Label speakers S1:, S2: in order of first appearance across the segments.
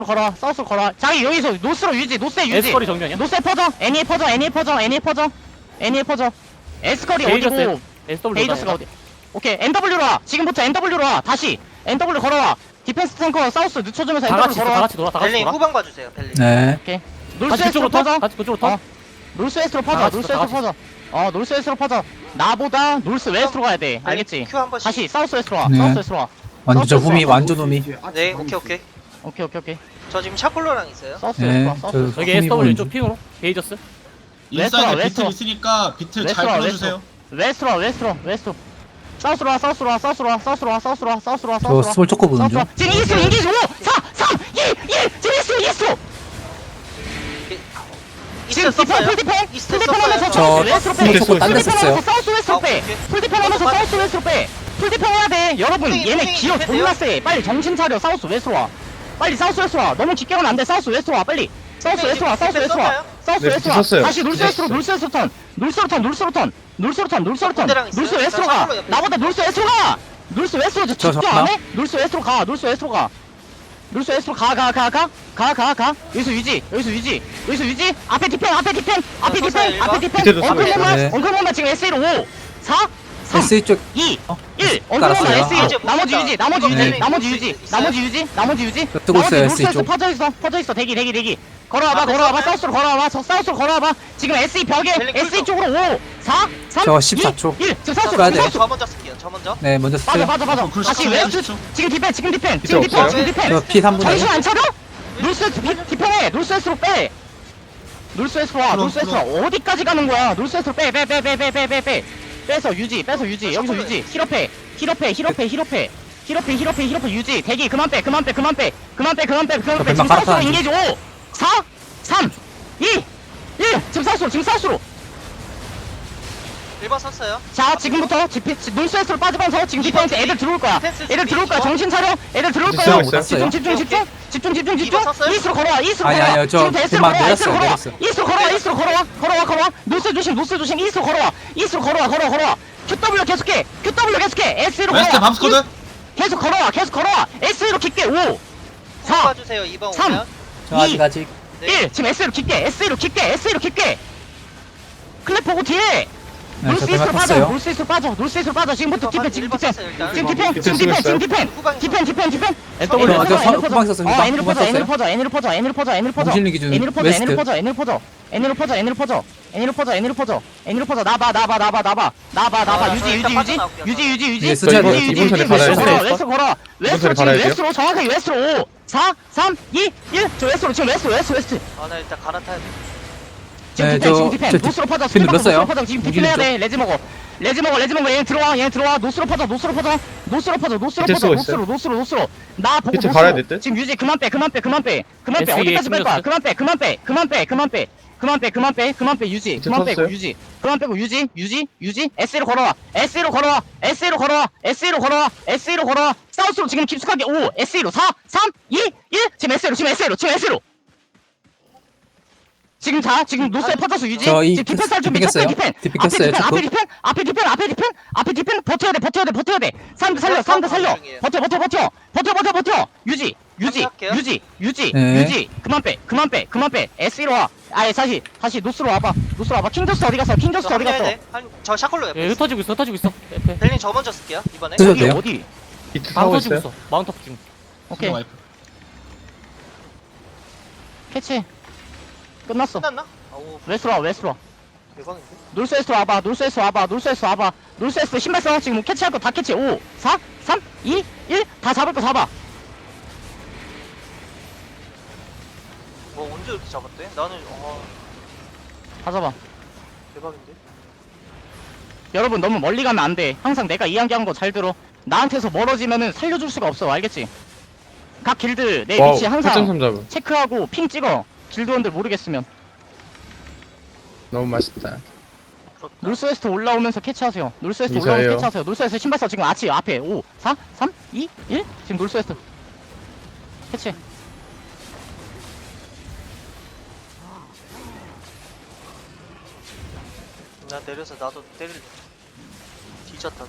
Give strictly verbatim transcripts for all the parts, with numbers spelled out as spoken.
S1: 걸어 사우스로 걸어 자기 여기서 노스로 유지 노스에 유지
S2: 에스컬이 정면이야?
S1: 노스에 퍼져 애니에 퍼져 애니에 퍼져 애니에 퍼져 애니에 퍼져 에스컬이 어디고
S2: 에스더블유
S1: 베이저스가 어디 오케이 엔더블유로 와 지금부터 엔더블유로 와 다시 엔더블유 걸어와 디펜스 탱커 사우스 늦춰주면서
S2: 다 같이
S1: 엔더블유
S2: 있어, 다
S1: 걸어와
S2: 같이 놀아 다 같이
S3: 벨링
S2: 놀아
S3: 후방 봐주세요 벨링.
S4: 네.
S1: 오케이
S2: 같이
S1: 놀스웨스트로
S2: 그쪽으로 터?
S1: 퍼져
S2: 같이 그쪽으로 터?
S1: 어 놀스웨스트로
S2: 다
S1: 퍼져
S2: 같이
S1: 놀스웨스트로
S2: 있어, 다
S1: 퍼져 어 놀스웨스트로 퍼져 나보다 놀스웨스트로 가야 돼 알겠지
S3: 큐 한 번씩.
S1: 다시 사우스웨스트로 와
S4: 네.
S1: 사우스웨스트로 와
S4: 완전
S1: 사우스
S4: 후미,
S1: 사우스.
S4: 완전 후미.
S3: 네 오케이 오케이.
S1: 오케이 오케이 오케이
S3: 저 지금 샤콜로랑 있어요.
S1: 사우스웨스트로
S4: 네.
S1: 와 사우스웨스트로
S4: 저
S2: 여기
S4: 후미
S2: 에스더블유
S4: 보는
S2: 왼쪽
S4: 중.
S2: 핑으로 베이저스
S1: 웨스트로,
S5: 인사이드
S1: 웨스트로.
S5: 비틀 있으니까 비틀 잘
S1: 웨스트로,
S5: 끌어주세요.
S1: 웨스트로 웨스트로 웨스트로 사우스로 와 사우스로 와 사우스로 와 사우스로 와 사우스로 와 사우스로 와
S4: 저
S1: 사우스로 와
S4: 스몰 초코 보는 중.
S1: 사우스로 와 지금 이스로 인기지 오 사 삼 이 일 지금 이스로 이스로 지금
S3: 이스트
S1: 디펜
S3: 썼어요?
S1: 풀디펜
S3: 이스트
S1: 풀디펜 하면서
S3: 썼어요?
S4: 저
S1: 웨스트로
S4: 스몰
S1: 빼
S4: 초코 딴 데
S1: 풀디펜
S4: 썼어요.
S1: 하면서 사우스 웨스트로 빼
S3: 아, 오케이.
S1: 풀디펜 하면서
S3: 오케이.
S1: 사우스 웨스트로 빼 풀디펜 해야 돼 여러분
S3: 팽이,
S1: 얘네
S3: 팽이
S1: 기어
S3: 디펜
S1: 존나
S3: 돼요?
S1: 세 빨리 정신 차려 사우스 웨스트로 와 빨리 사우스 웨스트로 와 너무 깊게 가면 안돼 사우스 웨스트로 와 빨리 사우스
S3: 팽이
S1: 웨스트로 와 사우스
S3: 디펜
S1: 웨스트로 와
S3: 썼나요?
S1: 사우스
S6: 네,
S1: 웨스트로 와
S6: 썼어요.
S1: 다시 놀스 웨스트로
S6: 썼어요.
S1: 놀스 웨스트로 턴 놀스로 턴 놀스로 턴 놀스로 턴 놀스로 턴
S3: 군대랑 있어요?
S1: 놀스 웨스트로
S3: 자,
S1: 가
S3: 샤클로 옆에
S1: 나보다 놀스 웨스트로 가 놀스 웨스트로 저
S4: 저
S1: 집중
S4: 잡나?
S1: 안 해? 놀스 웨스트로 가 놀스 웨스트로 가 놀스 웨스트로 가 가 가 가 가 가 가 여기서 유지 여기서 유지 여기서 유지 앞에 디펜 앞에 디펜 앞에
S3: 어,
S1: 디펜
S3: 썼어요,
S1: 앞에
S3: 일번.
S1: 디펜
S6: 밑에도
S1: 엉클
S6: 썼어요.
S1: 몸만
S4: 네.
S1: 엉클 몸만 지금 에스이로 오 사 삼
S4: 에스이 쪽.
S1: 이
S4: 어?
S1: 일 엉클 몸만
S4: 깔았어요.
S1: 에스이로
S3: 이제
S1: 나머지
S3: 못
S1: 유지
S3: 본다.
S1: 나머지
S3: 이거
S1: 유지
S4: 네.
S1: 나머지
S3: 있어요?
S1: 유지
S3: 있어요?
S1: 나머지 유지 나머지 유지
S4: 저 뜨고 있어요,
S1: 나머지
S4: 에스이
S1: 놀스
S4: 쪽.
S1: 퍼져 있어 퍼져 있어 대기 대기 대기 걸어와봐
S3: 앞에
S1: 걸어와봐
S3: 썼어요?
S1: 사우스로 걸어와봐 저 사우스로 걸어와봐 지금 에스이 벽에
S3: 벨링
S1: 에스이
S3: 쿨
S1: 쪽으로 오 사 삼
S4: 저
S1: 이
S4: 십사 초.
S1: 일 지금 사우스로
S4: 써야
S1: 지금
S4: 돼요.
S1: 사우스
S3: 저 먼저 쓸게요. 저 먼저.
S4: 네, 먼저
S1: 빠져
S4: 쓰세요.
S1: 빠져 빠져
S5: 어, 그럴
S1: 다시
S5: 수
S1: 웨스트
S5: 있죠.
S1: 지금 디펜 지금 디펜 지금 디펜
S6: 없어요?
S1: 지금 디펜
S4: 저 피 삼 분에.
S1: 정신 안 차려? 놀스웨스트 피- 디펜해 놀스웨스트로 빼 놀스웨스트로 와
S5: 그럼,
S1: 놀스웨스트로 어디까지 가는 거야 놀스웨스트로 빼 빼 빼 빼 빼 빼 빼 빼 빼서 유지 빼서 유지 여기서 유지 힐업해 힐업해 힐업해 힐업해 힐업해 힐업해 힐업해 유지 대기 그만 빼 그만 빼 그만 빼 그만 빼 그만 빼 그만
S4: 저
S1: 빼 지금
S4: 뱀만
S1: 사우스로
S4: 깔았다,
S1: 인게이지 오 사 삼 이 일 지금 사우스로 지금 사우스로
S3: 일 번 썼어요.
S1: 자 지금부터 디펜 놀스웨스트로 빠지면서 지금 디펜스 애들 들어올 거야
S3: 디펜스
S1: 애들 들어올 거야
S3: 준비.
S1: 정신 차려 애들 들어올
S6: 있어요,
S1: 거야
S6: 있어요.
S1: 집중 집중 집중 집중 집중 집중
S3: 이거 썼어요?
S1: 이스로 걸어와 이스로
S4: 아니,
S1: 걸어와
S4: 아니요, 저
S1: 지금 S로
S4: 그만
S1: 걸어와 S로
S4: 내렸어요,
S1: 걸어와
S4: 내렸어요.
S1: 이스로 걸어와 이스로 걸어와 걸어와 걸어와 노스 조심 노스 조심 이스로 걸어와 이스로 걸어와 걸어와 걸어와 큐더블유 계속해 큐더블유 계속해 S로
S5: 웨스트
S1: 걸어와
S5: 밤스코드.
S1: 계속 걸어와 계속 걸어와 S로 깊게 오
S3: 후방
S1: 사
S3: 봐주세요. 이 번
S1: 삼.
S3: 오면.
S4: 저 아직 아직.
S3: 네.
S1: 일 지금 S로 깊게 S로 깊게 S로 깊게 클랩 보고 뒤에
S4: 네, 저
S1: 놀스이스로
S4: 뱀만
S1: 빠져
S4: 탔어요.
S1: 놀스이스로 빠져 놀스이스로 빠져 지금부터
S3: 이거
S1: 디펜
S3: 봐,
S1: 지금
S3: 일번
S1: 디펜
S3: 썼어요, 일단.
S1: 지금 디펜
S6: 디펜
S1: 지금 디펜 지금
S6: 쓰셨어요?
S1: 디펜
S3: 후방에서.
S1: 디펜 디펜 디펜
S2: 에스더블유
S4: 어, 저
S1: N으로
S4: 선- 후방 썼습니다.
S1: 어 N으로
S4: 후방
S1: 퍼져 N으로
S4: 썼어요.
S1: 퍼져 N으로 퍼져 N으로 퍼져 N으로 퍼져
S4: 정신력 기준
S1: N으로 퍼져
S4: 웨스트.
S1: N으로 퍼져 N으로 퍼져 N으로 퍼져 N으로 퍼져 N으로 퍼져 N으로 퍼져 N으로 퍼져 나봐 나봐 나봐 나봐 나봐 나봐
S3: 아,
S1: 유지
S3: 저
S1: 유지
S3: 일단
S1: 유지
S3: 빠져나올게요.
S1: 유지 유지 유지
S4: 예, 쓰셔야 돼요.
S1: 유지, 유지,
S6: 이번 턴에
S1: 유지,
S6: 받아야
S1: 웨스트로
S6: 돼요.
S1: 걸어, 웨스트로 걸어 웨스트로
S6: 턴에
S1: 지금
S6: 받아야 돼요.
S1: 웨스트로 정확하게 웨스트로 오 사 삼 이 일 저 웨스트로 지금 웨스트 웨스트 웨스트
S3: 아 나 일단 갈아타야 돼.
S1: 지금
S4: 네,
S1: 디펜
S4: 저-
S1: 지금 디펜
S4: 저
S1: 노스로 퍼져
S4: 디펜
S1: 스텝
S4: 눌렀어요.
S1: 노스로 퍼져 지금 디펜 해야 돼 레지 먹어 레지 먹어 레지 먹어 얘 들어와 얘 들어와 노스로 퍼져 노스로 퍼져 노스로 퍼져 노스로
S6: 밑에
S1: 퍼져
S6: 쓰고
S1: 노스로 노스로 노스로 나 보고
S6: 밑에
S1: 노스로.
S6: 갈아야 될 듯?
S1: 지금 유지 그만 빼 그만 빼 그만 빼 그만 빼
S2: 에스이에
S1: 어디까지 뺄 거야
S2: 힘들었어.
S1: 그만 빼 그만 빼 그만 빼 그만 빼 그만 빼 그만 빼 그만 빼 유지
S6: 밑에
S1: 그만 빼고
S6: 쳤어요?
S1: 유지 그만 빼고 유지 유지 유지 S로 걸어와 S로 걸어와 S로 걸어와 S로 걸어와 S로 걸어와 사우스로 지금 깊숙하게 오 S로 사 삼 이 일 지금 S로 지금 S로 지금 S로 지금 자 지금 노스에 퍼져서 유지
S4: 저 이
S1: 지금 디펜 살 준비
S4: 디펜
S1: 첫째
S4: 깼어요.
S1: 디펜
S4: 디펜
S1: 앞에
S4: 깼어요,
S1: 디펜
S4: 자꾸.
S1: 앞에 디펜 앞에 디펜 앞에 디펜 앞에 디펜 버텨야 돼 버텨야 돼 버텨야 돼 사람들 살려 사람들 살려 버텨 버텨 버텨 버텨 버텨 버텨 유지 유지
S3: 할게요.
S1: 유지 유지
S4: 네.
S1: 유지 그만 빼 그만 빼 그만 빼 S로 와 아예 다시 다시 노스로 와봐 노스로 와봐 킹저스 어디 갔어 킹저스
S3: 저
S1: 어디 갔어
S3: 합류해야 돼. 한- 저 샤콜로 옆에.
S2: 예
S3: 있어요.
S2: 흩어지고 있어 흩어지고 있어 옆에
S3: 벨링 저 먼저 쓸게요. 이번에.
S4: 쓰셔도
S1: 어디
S4: 돼요?
S1: 어디
S6: 비트
S2: 다
S6: 타고
S2: 흩어지고
S6: 있어요.
S2: 있어 마운트업 지금
S1: 오케이
S5: 와이프.
S1: 캐치 끝났어
S3: 끝났나? 아우
S1: 웨스로 와 웨스로 와
S3: 대박인데.
S1: 놀스웨스트 와봐 놀스웨스트 와봐 놀스웨스트 와봐 놀스웨스트 신발 써 지금 캐치할 거 다 캐치 오 사 삼 이 일 다 잡을 거 잡아
S3: 뭐 언제 이렇게 잡았대? 나는 어
S1: 다 잡아
S3: 대박인데.
S1: 여러분 너무 멀리 가면 안돼 항상 내가 이야기한 거 잘 들어 나한테서 멀어지면은 살려줄 수가 없어 알겠지 각 길드 내
S6: 와우,
S1: 위치
S6: 팔 점
S1: 항상
S6: 삼 잡음.
S1: 체크하고 핑 찍어 길드원들 모르겠으면
S6: 너무 맛있다.
S3: 그렇다.
S1: 놀스웨스트 올라오면서 캐치하세요 놀스웨스트
S6: 이사예요.
S1: 올라오면서 캐치하세요 놀스웨스트 신발 써 지금 아치 앞에 오 사 삼 이 일 지금 놀스웨스트 캐치
S3: 나 내려서 나도 때릴. 뒤졌다.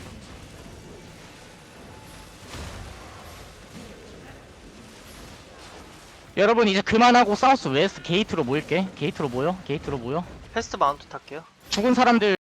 S1: 여러분 이제 그만하고 사우스 웨스트 게이트로 모일게. 게이트로 모여. 게이트로 모여.
S3: 패스트 마운트 탈게요.
S1: 죽은 사람들